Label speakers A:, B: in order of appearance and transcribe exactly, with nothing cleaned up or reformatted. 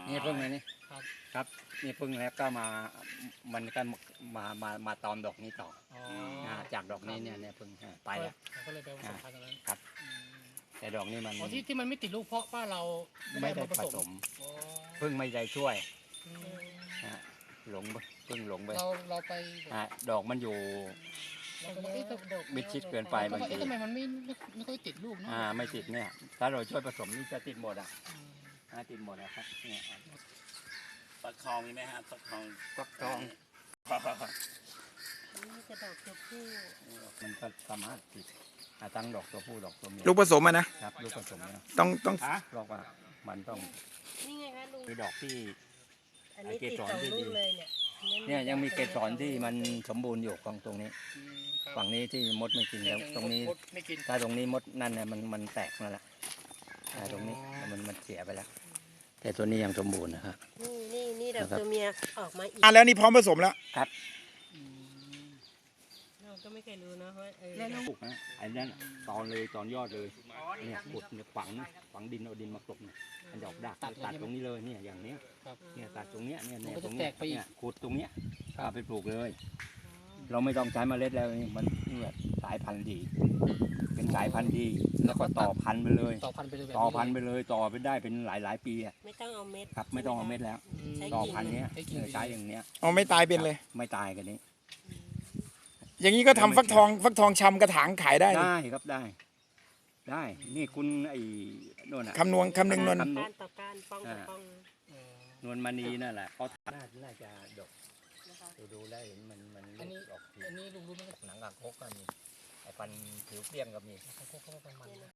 A: นี่พึ่งเลยนี่
B: ครับ
A: ครับนี่พึ่งแล้วก็มามันก็มามามาตอมดอกนี้ต่อ
B: อ๋อ
A: อ่าจากดอกนี้เนี่ยเนี่ยพึ่งอ่าไปแล้ว
B: ก็เลยไปผสมพันธุ์ตรงนั้น
A: ครับ
B: อืม
A: แต่ดอกนี้มัน
B: อ๋อที่ที่มันไม่ติดลูกเพราะว่าเรา
A: ไม่ได้
B: เอาา
A: ผสม
B: อ๋อ
A: พึ่งไม่ใจช่วย
B: อืม
A: อ่าหลงไปพึ่งหลงไป
B: เราเราไป
A: อ่าดอกมันอยู่
B: เราก็เอ๊ะทำ
A: มิดชิดเกินไป
B: เรา
A: บาง
B: ก็
A: ที
B: เอ๊ะทำไมมันไม่ไม่ไม่ค่อยติดลูกเนาะ
A: อ่าไม่ติดเนี่ยถ้าเราช่วยผสมนี่จะติดหมดอ่ะ
B: อืม
A: อ่าติดหมดนะครับเนี่ย
C: ฟักทองมีไหมฮะฟักทอง
A: ฟักทอง
D: นี่จะดอกตัวผู้
A: มันก็สามารถติดอ่าทั้งดอกตัวผู้ดอกตัวเมีย
E: ลูกผสมอะนะครับ
A: ลูกผสมเนี่ย
E: ต้องต้อง
A: เพราะว่ามันต้อง
D: นี่ไงคะลุง
A: คือดอกที่
D: อันนี้
A: เก
D: ติด
A: สร
D: สอง
A: ที่
D: ลู
A: ดี
D: กเลยเนี่ย
A: เนี่ยยังมีเกสรที่มันสมบูรณ์อยู่ของตรงนี้
B: อืมครับ
A: ฝั่งนี้ที่มดไม่กินแล้วตรงนี้
B: มดไม่กิน
A: ถ้าตรงนี้มดนั่นเนี่ยมันมันแตกนั่นแหละอ่าตรงนี้มันมันเสียไปแล้ว แต่ตัวนี้ยังสมบูรณ์นะครับ
D: นี่นี่นี่ดอก
A: นะครับ
D: ตัวเมียออกมาอีก
E: อ่ะแล้วนี่พร้อมผสมแล้ว
B: อืม
D: เราก็ไม่เคยรู้นะว่าเออ
A: ปลูกนะไอ้นั่นตอนเลยตอนยอดเลยเนี่ยขุดเนี่ยฝังฝังดินเอาดินมากลบเนี่ยมันจะออกดากตัดตรงนี้เลยเนี่ยอย่างเนี้ย
B: ครับ
A: เนี่ยตัดตรงเนี้ยเนี่ยเนี่ย
B: มันก็
A: ตรง
B: จะ
A: เนี้ย
B: แตกไปอีก
A: เนี่ยขุดตรงเนี้ยเอาไปปลูกเลย เราไม่ต้องใช้เมล็ดแล้วนี่มันเนี่ยสายพันธุ์ดี เป็นสายพันธุ์ดี แล้วก็ต่อพันธุ์ไปเลย
B: ต่อพันธุ์ไปเลยแบบ
A: ต่อพันธุ์ไปเลยต่อไปได้เป็นหลายหลายๆปีอะ
D: ไม่ต้องเอาเม็ด
A: ครับไม่ต้องเอาเม็ดแล้ว
B: อืม
D: ใช้
A: ต่อ
D: กิ่ง
A: พันธุ์เนี้ย
B: ใช้กิ่ง
A: เออใช้อย่างเนี้ย
E: เอาไม่ตายเป็นเลย
A: ไม่ตายกันนี้
E: อย่างนี้ก็ทำฟักทองฟักทองชำกระถางขายได้
A: ได้ครับได้ ได้ นี่คุณไอ้โน่นอ่ะ
E: คำนวณคำนึงนวณ
A: คำ
D: ก้านต่อก้านป้องต่อป้อง
B: เออ
A: นวลมณีนั่นแหละเขาน่าน่าจะดก
D: นะคะ
A: ดูดูแล้วเห็นมันมัน
B: อันนี้
A: ดอกที
B: อันนี้ลุงรู้ไหม
A: หนังกากคกก็มีไอ้ฟันผิวเปรี้ยงก็มี
B: เขาเขาเขาประมาณนั้น